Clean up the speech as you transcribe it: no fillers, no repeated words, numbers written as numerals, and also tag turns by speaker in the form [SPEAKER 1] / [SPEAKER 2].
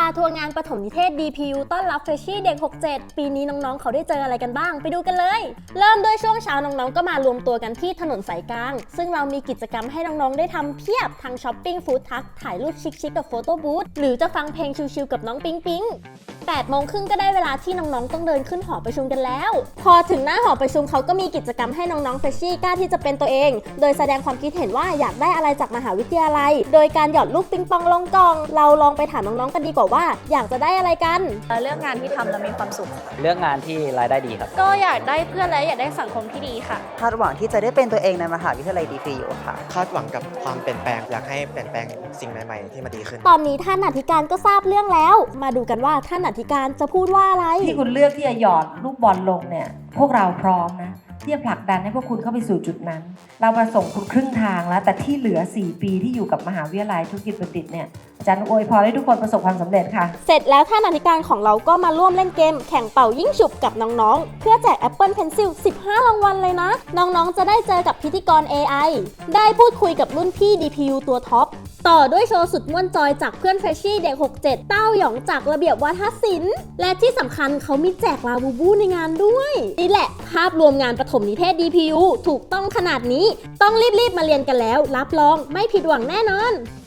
[SPEAKER 1] าทัวร์งานประถมนิเทศ DPU ต้อนรับเฟรชชี่เด็ก 67 ปีนี้น้องๆเขาได้เจออะไรกันบ้างไปดูกันเลย เริ่มด้วยช่วงเช้าน้องๆก็มารวมตัวกันที่ถนนสายกลางซึ่งเรามีกิจกรรมให้น้องๆได้ทำเพียบทั้งช้อปปิ้งฟู้ดทักถ่ายรูปชิคๆกับโฟโต้บูธหรือจะฟังเพลงชิลๆกับน้องปิ๊งปิ๊ง8 โมงครึ่งก็ได้เวลาที่น้องๆต้องเดินขึ้นหอประชุมกันแล้วพอถึงหน้าหอประชุมเขาก็มีกิจกรรมให้น้องๆเฟรชชี่กล้าที่จะเป็นตัวเองโดยแสดงความคิดเห็นว่าอยากได้อะไรจากมหาวิทยาลัยโดยการหยอดลูกปิงปองลงกล่องเราลองไปถามน้องๆกันดีกว่าว่าอยากจะได้อะไรกัน
[SPEAKER 2] เลือกงานที่ทำแล้วมีความสุข
[SPEAKER 3] เลือกงานที่รายได้ดีครับ
[SPEAKER 2] ก็อยากได้เพื่อนและอยากได้สังคมที่ดีค่ะ
[SPEAKER 4] คาดหวังที่จะได้เป็นตัวเองในมหาวิทยาลัย DPU ค่ะ
[SPEAKER 5] คาดหวังกับความเปลี่ยนแปลงอยากให้เปลี่ยนแปลงสิ่งใหม่ๆที่มาดีขึ้น
[SPEAKER 1] ตอนนี้ท่านอธิการก็ทราบเรื่องแล้วมาดูกันว่าท่านอธิการจะพูดว่าอะไร
[SPEAKER 6] ที่คุณเลือกที่จะหยอดลูกบอลลงเนี่ยพวกเราพร้อมนะที่จะผลักดันให้พวกคุณเข้าไปสู่จุดนั้นเรามาส่งคุณครึ่งทางแล้วแต่ที่เหลือ4 ปีที่อยู่กับมหาวิทยาลัยธุรกิจบัณฑิตเนี่ยอาจารย์อวยพรให้ทุกคนประสบความสำเร็จค่ะ
[SPEAKER 1] เสร็จแล้วท่านอธิการของเราก็มาร่วมเล่นเกมแข่งเป่ายิ่งฉุบกับน้องๆเพื่อแจก Apple Pencil 15 รางวัลเลยนะน้องๆจะได้เจอกับพิธีกร AI ได้พูดคุยกับรุ่นพี่ DPU ตัวท็อปต่อด้วยโชว์สุดม่วนจอยจากเพื่อนเฟรชชี่เด็ก 67 เต้าหยองจากระเบียบวาทศิลป์และที่สำคัญเขามีแจกลาบูบูในงานด้วยนี่แหละภาพรวมงานประถมนิเทศ DPU ถูกต้องขนาดนี้ต้องรีบๆมาเรียนกันแล้วรับรองไม่ผิดหวังแน่นอน